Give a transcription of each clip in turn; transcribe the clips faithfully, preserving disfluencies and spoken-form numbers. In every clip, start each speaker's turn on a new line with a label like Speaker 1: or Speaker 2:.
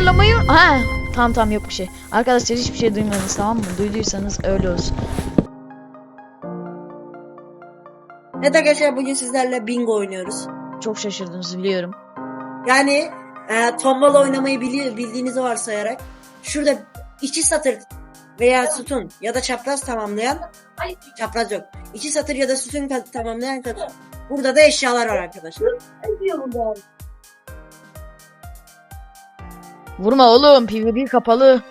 Speaker 1: ayarlamayı... Ha, tamam tamam yok bir şey. Arkadaşlar hiçbir şey duymadınız, tamam mı? Duyduysanız öyle olsun.
Speaker 2: Evet arkadaşlar, bugün sizlerle bingo oynuyoruz.
Speaker 1: Çok şaşırdınız biliyorum.
Speaker 2: Yani e, tombala oynamayı bili bildiğinizi varsayarak şurada iki satır veya sütun ya da çapraz tamamlayan, çapraz yok, iki satır ya da sütun tamamlayan kadar burada da eşyalar var arkadaşlar.
Speaker 1: Vurma oğlum, PvP kapalı.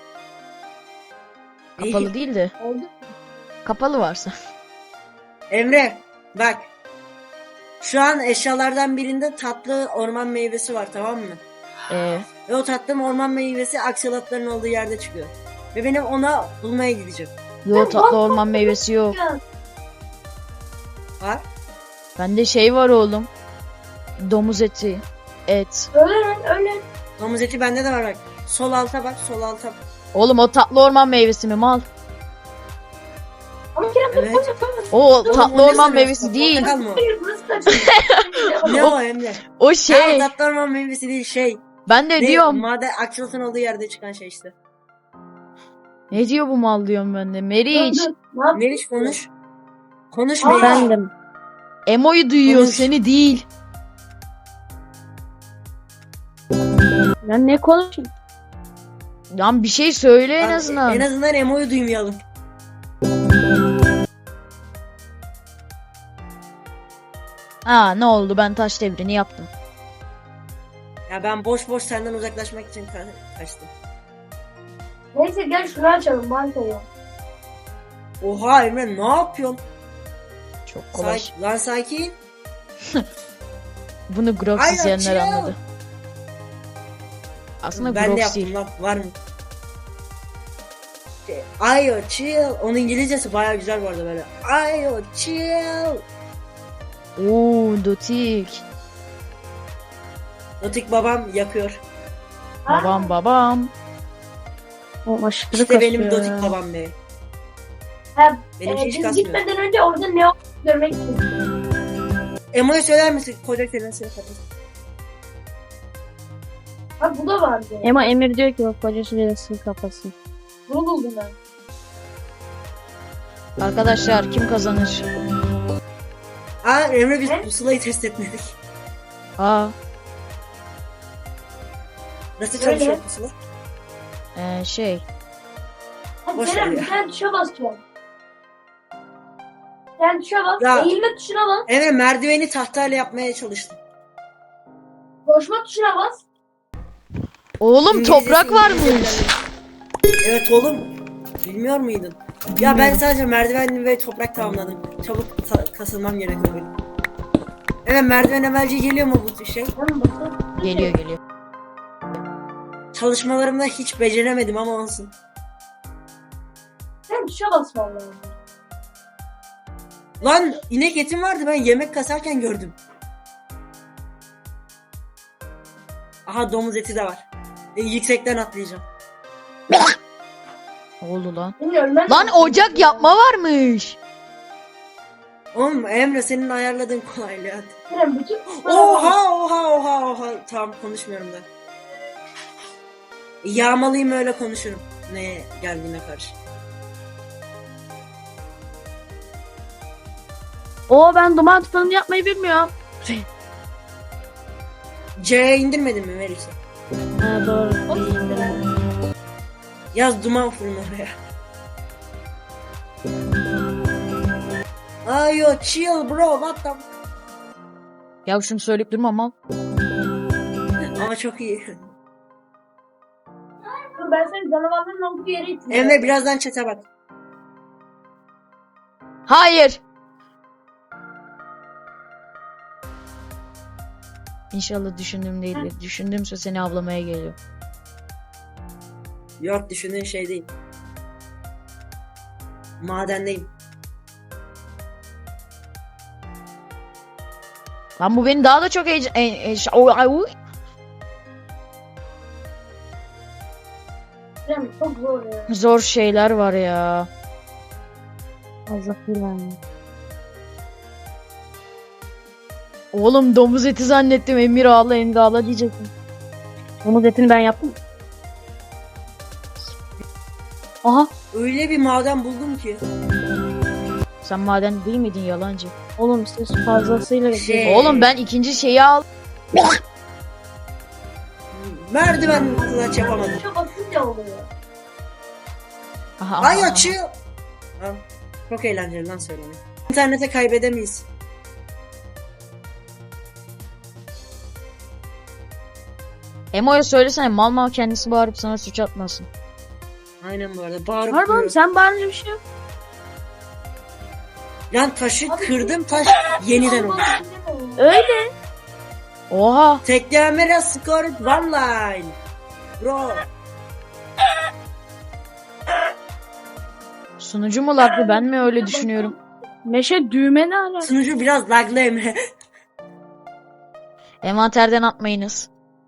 Speaker 1: Kapalı
Speaker 2: İyi.
Speaker 1: değil de. Kapalı varsa.
Speaker 2: Emre bak, şu an eşyalardan birinde tatlı orman meyvesi var, tamam mı?
Speaker 1: Ee,
Speaker 2: Ve o tatlı orman meyvesi aksolotların olduğu yerde çıkıyor. Ve benim ona bulmaya gideceğim.
Speaker 1: yo tatlı orman meyvesi yok.
Speaker 2: Var.
Speaker 1: Bende şey var oğlum. Domuz eti. Et.
Speaker 3: Öyle öyle.
Speaker 2: Domuz eti bende de var bak. Sol alta bak, sol alta bak.
Speaker 1: Oğlum o tatlı orman meyvesi mi mal?
Speaker 3: Ama Kerem
Speaker 2: Evet.
Speaker 3: evet. Yapamaz.
Speaker 1: O
Speaker 2: Oğlum,
Speaker 1: tatlı
Speaker 2: o ne
Speaker 1: orman
Speaker 2: sırası?
Speaker 1: meyvesi değil.
Speaker 2: Portakal mı o?
Speaker 3: Hayır burası da
Speaker 2: Ne o Emre?
Speaker 1: O
Speaker 2: Şey.
Speaker 1: şey.
Speaker 2: Tatlı orman meyvesi değil, şey.
Speaker 1: Ben de
Speaker 2: Ne,
Speaker 1: diyorum.
Speaker 2: maden aksolotun olduğu yerde çıkan şey işte.
Speaker 1: Ne diyor bu mal diyorum ben de. Meriç.
Speaker 2: Meriç konuş. Konuş
Speaker 3: Aa.
Speaker 2: Meriç.
Speaker 3: Efendim?
Speaker 1: Emo'yu duyuyor,
Speaker 2: Konuş.
Speaker 1: seni değil.
Speaker 3: Ben ne konuşayım?
Speaker 1: Lan bir şey söyle en
Speaker 2: Bak,
Speaker 1: azından.
Speaker 2: En azından Emo'yu duymayalım.
Speaker 1: Ha ne oldu, ben taş devrini yaptım.
Speaker 2: Ya ben boş boş senden uzaklaşmak için ka- kaçtım.
Speaker 3: Neyse gel şunu açalım bankayı.
Speaker 2: Oha Emre, ne yapıyorsun?
Speaker 1: Çok kolay.
Speaker 2: Sakin, lan sakin.
Speaker 1: Bunu Grox
Speaker 2: Aynen,
Speaker 1: izleyenler
Speaker 2: chill.
Speaker 1: anladı. Aslında
Speaker 2: Ben de
Speaker 1: Grox
Speaker 2: yaptım
Speaker 1: değil.
Speaker 2: lan, var mı? Şey, Ayo chill. Onun İngilizcesi bayağı güzel bu arada böyle. Ayo chill.
Speaker 1: Oo Dotik.
Speaker 2: Notik babam yapıyor.
Speaker 1: Babam babam.
Speaker 3: O aşırı
Speaker 2: İşte benim dotik babam be.
Speaker 3: Ha,
Speaker 2: Benim
Speaker 3: e,
Speaker 2: hiç
Speaker 3: biz
Speaker 2: kasmıyor.
Speaker 3: gitmeden önce orada ne olduğunu görmek istedim.
Speaker 2: Emo'ya söyler misin? Koca kelimesini kapatın.
Speaker 3: Bak bu da vardı.
Speaker 4: Ama Emir diyor ki bak koca süresi kafası.
Speaker 3: Bunu buldum ben.
Speaker 1: Arkadaşlar kim kazanır?
Speaker 2: Aa Emre, biz
Speaker 3: Ne?
Speaker 2: pusulayı test etmedik.
Speaker 1: Aa
Speaker 2: Nasıl
Speaker 3: Öyle.
Speaker 2: çalışıyor pusula?
Speaker 1: ee, şey.
Speaker 3: Hadi
Speaker 2: Boş ver
Speaker 3: Kerem
Speaker 2: ya.
Speaker 3: bir tane tuşa basacağım. Sen tuşa bas.
Speaker 2: Ya.
Speaker 3: Eğilme tuşuna bas.
Speaker 2: Emre, merdiveni tahtayla yapmaya çalıştım.
Speaker 3: Koşma tuşuna bas.
Speaker 1: Oğlum
Speaker 2: İngilizcesi
Speaker 1: toprak varmış.
Speaker 2: İngilizce. Evet oğlum. Bilmiyor muydun? Ya ben sadece merdiven ve toprak tamamladım. Çabuk ta- kasılmam gerekiyor benim. Evet, merdiven evvelce geliyor mu bu şey?
Speaker 3: Tamam basın.
Speaker 1: Geliyor geliyor.
Speaker 2: Çalışmalarımda hiç beceremedim ama olsun.
Speaker 3: Sen tuşa bas vallahi.
Speaker 2: Lan inek etim vardı, ben yemek kasarken gördüm. Aha, domuz eti de var. E, yüksekten atlayacağım.
Speaker 1: Ne oldu lan?
Speaker 3: Bilmiyorum ben.
Speaker 1: Lan ocak yapma varmış.
Speaker 2: Oğlum Emre, senin ayarladığın kolaylığı.
Speaker 3: Kerem bütün tuşlara bas.
Speaker 2: Oha oha oha oha. Tamam, konuşmuyorum da. Yağmalıyım, öyle konuşurum. Ne geldiğine karşı.
Speaker 4: Oo ben duman tufanı yapmayı bilmiyorum.
Speaker 2: C'ye indirmedin mi Melisa?
Speaker 4: Ha doğru. İyi indirim.
Speaker 2: Yaz duman fırın oraya. Ayo chill bro, what the...
Speaker 1: Ya şunu söyleyip durma mal.
Speaker 2: Ama çok iyi.
Speaker 3: Dur ben seni canavarların olduğu yere iteyim.
Speaker 2: Emre, birazdan chat'e bak.
Speaker 1: Hayır. İnşallah düşündüğüm değildir. Düşündüğümse seni avlamaya geliyor.
Speaker 2: Yok, düşündüğün şey değil. Madendeyim.
Speaker 1: Lan bu beni daha da çok heyecan... E, e, ş- o- ay, uy.
Speaker 3: Kerem çok zor ya.
Speaker 1: Zor şeyler var ya.
Speaker 4: Allah bilir.
Speaker 1: Oğlum domuz eti zannettim. Emir ağla Emir ağla diyecektim.
Speaker 4: Domuz etini ben yaptım. Aha.
Speaker 2: Öyle bir maden buldum ki.
Speaker 1: Sen maden değil miydin yalancı?
Speaker 4: Oğlum siz fazlasıyla...
Speaker 2: Şey-
Speaker 1: Oğlum ben ikinci şeyi al.
Speaker 2: Merdiven kulaç yapamadım.
Speaker 3: Çok basınca oluyor.
Speaker 1: Aha, aha,
Speaker 2: Ay
Speaker 1: aha.
Speaker 2: açıyor. Ha, çok eğlenceli lan söylemek. İnternete kaybedemeyiz.
Speaker 1: Emo'ya söylesene mal mal kendisi bağırıp sana suç atmasın.
Speaker 2: Aynen bu arada. Bağırıp
Speaker 4: Var
Speaker 2: duruyor.
Speaker 4: mı? Sen bağırınca bir şey yok.
Speaker 2: Lan taşı kırdım, taş yeniden oldu.
Speaker 4: Öyle.
Speaker 1: Oha.
Speaker 2: Teklemere scored one line. Bro.
Speaker 1: Sunucu mu laglı, ben mi öyle düşünüyorum?
Speaker 4: Meşe düğme ne ala?
Speaker 2: Sunucu biraz laglı Emre.
Speaker 1: Envanterden atmayınız.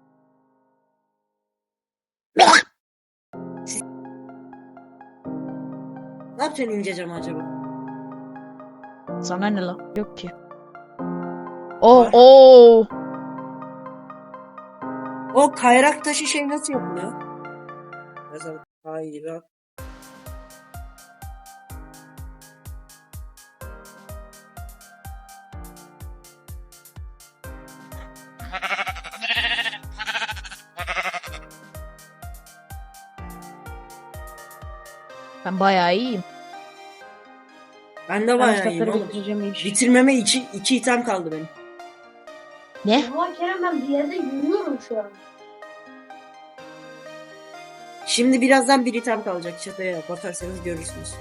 Speaker 2: Ne yapacaksın incecem acaba?
Speaker 1: Sana ne la? Yok ki. Oh oh.
Speaker 2: O kayrak taşı şey nasıl yapılıyor? Mesela kayrak.
Speaker 1: Ben bayağı iyiyim.
Speaker 2: Ben de
Speaker 4: Ben
Speaker 2: bayağı iyiyim
Speaker 4: kitapları
Speaker 2: oğlum.
Speaker 4: bitireceğim iş.
Speaker 2: Bitirmeme iki, iki item kaldı benim.
Speaker 1: Ne?
Speaker 3: Ama Kerem ben bir yerde yürüyorum şu an.
Speaker 2: Şimdi birazdan bir item kalacak çatıya bakarsanız görürsünüz.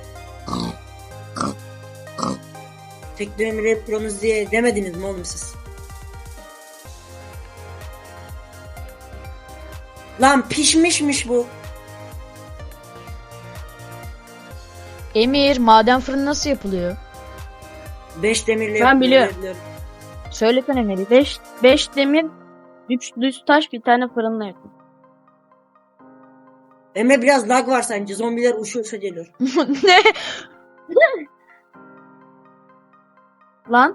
Speaker 2: Tekno Emre Pro'nuz diye demediniz mi oğlum siz? Lan pişmişmiş bu.
Speaker 1: Emir, maden fırını nasıl yapılıyor?
Speaker 2: Beş demirle
Speaker 4: Ben biliyorum.
Speaker 2: yapılıyor.
Speaker 1: Söylesene Melih.
Speaker 4: beş beş demir, üç düz taş, bir tane fırınla yapın.
Speaker 2: Emre biraz lag var sence. Zombiler uçu uça geliyor.
Speaker 1: Ne?
Speaker 4: Lan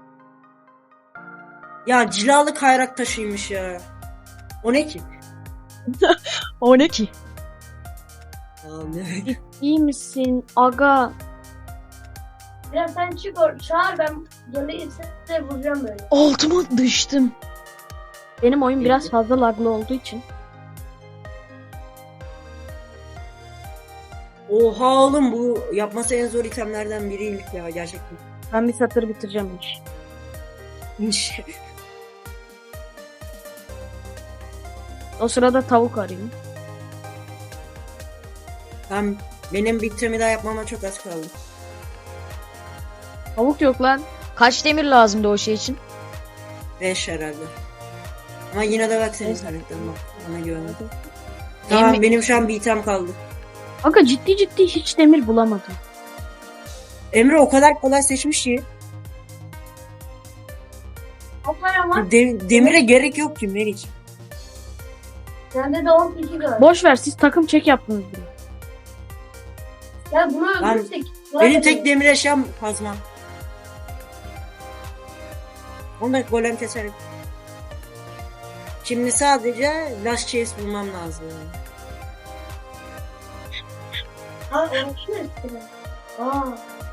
Speaker 2: Ya cilalı kayrak taşıymış ya. O ne ki?
Speaker 1: O ne ki?
Speaker 2: Aa, ne?
Speaker 4: iyi misin aga?
Speaker 3: Biraz sen çık or çağır ben gelirse de vuracağım böyle.
Speaker 1: Altıma düştüm.
Speaker 4: Benim oyun biraz fazla laglı olduğu için.
Speaker 2: Oha oğlum bu yapması en zor itemlerden biriymiş ya gerçekten.
Speaker 4: Ben bir satır bitireceğim iş. O sırada tavuk arayayım.
Speaker 2: Ben benim bitimi daha yapmama çok az kaldı.
Speaker 4: Tavuk yok lan.
Speaker 1: Kaç demir lazımdı o şey için?
Speaker 2: Beş herhalde. Ama yine de bak senin
Speaker 4: Neyse.
Speaker 2: internetten bak. Bana güvenin. Tamam
Speaker 1: Emre-
Speaker 2: benim şu an bir item kaldı.
Speaker 4: Aga ciddi ciddi hiç demir bulamadım.
Speaker 2: Emre o kadar kolay seçmiş ki.
Speaker 3: Aferin var.
Speaker 2: De- demire gerek yok ki Meriç.
Speaker 3: Sende de on kişi var.
Speaker 4: Boş ver, siz takım çek yaptınız bile.
Speaker 3: Ya bunu
Speaker 2: Lan,
Speaker 3: öldürürsek.
Speaker 2: Benim tek demir eşyam kazma. Onu da golem keserim. Şimdi sadece last chase bulmam lazım.
Speaker 3: Aa onu kim istiyor? Aa.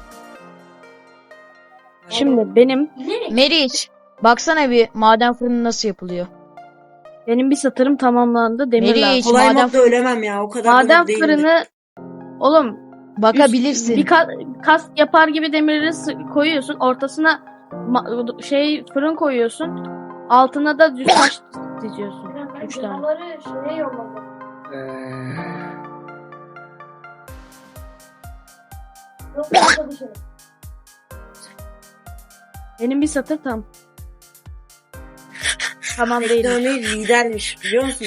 Speaker 4: Şimdi benim
Speaker 3: Ne?
Speaker 1: Meriç, baksana bir maden fırını nasıl yapılıyor?
Speaker 4: benim bir satırım tamamlandı. Demir
Speaker 1: Meriç,
Speaker 4: lazım.
Speaker 2: Kolay
Speaker 1: Maden
Speaker 2: modda ölemem ya. O kadar
Speaker 4: Maden
Speaker 2: da değilim.
Speaker 4: fırını oğlum
Speaker 1: Bakabilirsin.
Speaker 4: bir ka- kas yapar gibi demirleri sı- koyuyorsun. Ortasına ma- şey fırın koyuyorsun. Altına da düz taş diziyorsun.
Speaker 3: Ben
Speaker 4: Üç tane.
Speaker 3: canavarı şeye yolladım. Yok başka bir şey.
Speaker 4: Benim bir satır tam. Tamam değil.
Speaker 2: Teknoloji lidermiş biliyor musun?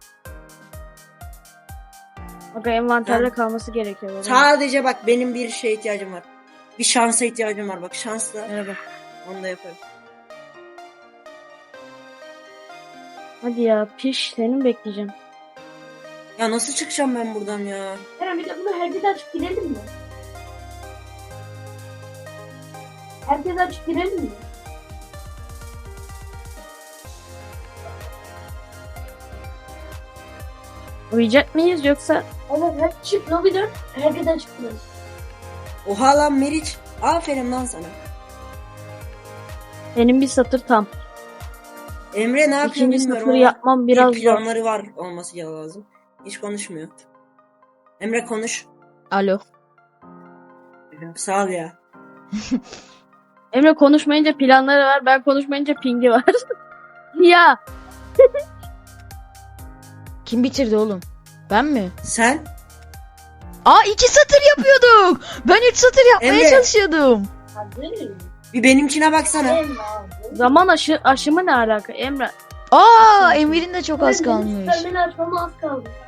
Speaker 4: Aga envanterde
Speaker 2: Ben-
Speaker 4: kalması gerekiyor. Benim.
Speaker 2: Sadece bak benim bir şeye ihtiyacım var. Bir şansa ihtiyacım var. Bak şansla
Speaker 4: Merhaba.
Speaker 2: onu da yaparım.
Speaker 4: Hadi ya piş senin bekleyeceğim.
Speaker 2: Ya nasıl çıkacağım ben buradan ya?
Speaker 3: Kerem bir de bunu herkes açıp girelim mi? Herkes açıp girelim mi?
Speaker 4: Uyuyacak mıyız yoksa?
Speaker 3: Evet hadi çık lobiden. Herkese çıkıyoruz.
Speaker 2: Oha lan Meriç. Aferin lan sana.
Speaker 4: Benim bir satır tam.
Speaker 2: Emre ne yapıyor
Speaker 4: İkinci
Speaker 2: bilmiyorum
Speaker 4: satırı
Speaker 2: ama
Speaker 4: yapmam biraz
Speaker 2: bir
Speaker 4: zor.
Speaker 2: planları var olması lazım. Hiç konuşmuyor. Emre konuş.
Speaker 1: Alo.
Speaker 2: Sağ ol ya.
Speaker 4: Emre konuşmayınca planları var. Ben konuşmayınca pingi var. Ya
Speaker 1: Kim bitirdi oğlum? Ben mi?
Speaker 2: Sen?
Speaker 1: Aa iki satır yapıyorduk. Ben üç satır yapmaya
Speaker 2: Emre.
Speaker 1: çalışıyordum.
Speaker 3: Hadi.
Speaker 2: Bir benimkine baksana.
Speaker 3: Emre.
Speaker 4: zaman aşı aşımı ne alaka Emre?
Speaker 1: Aa Emir'in de çok az kalmış.
Speaker 3: Süpermen'i açmama az kaldı.